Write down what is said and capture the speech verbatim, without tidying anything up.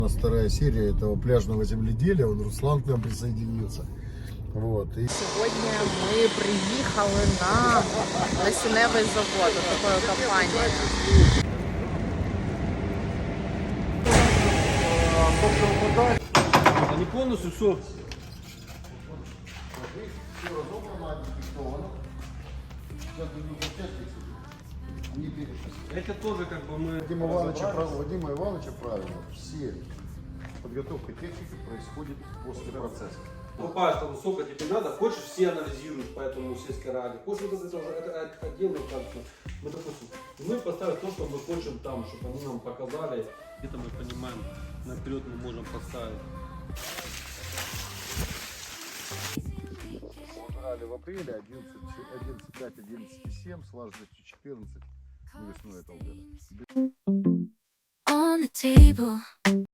У нас вторая серия этого пляжного земледелия, он Руслан к нам присоединился. Вот. И... Сегодня мы приехали на насінневий завод, такой компании. Они полностью все. Это тоже как бы мы... Вадима Ивановича, прав- Вадима Ивановича правильно, все подготовка техники происходит после процесса. Покупаешь там сколько тебе надо, хочешь, все анализируют по этому сельской ради. Хочешь, вот это уже это, это отдельно как-то. Мы, допустим, мы поставим то, что мы хочем там, чтобы они нам показали. Где-то мы понимаем, наперед мы можем поставить. Убрали в апреле одиннадцать пять одиннадцать семь с влажностью четырнадцать весной этого года. On the table.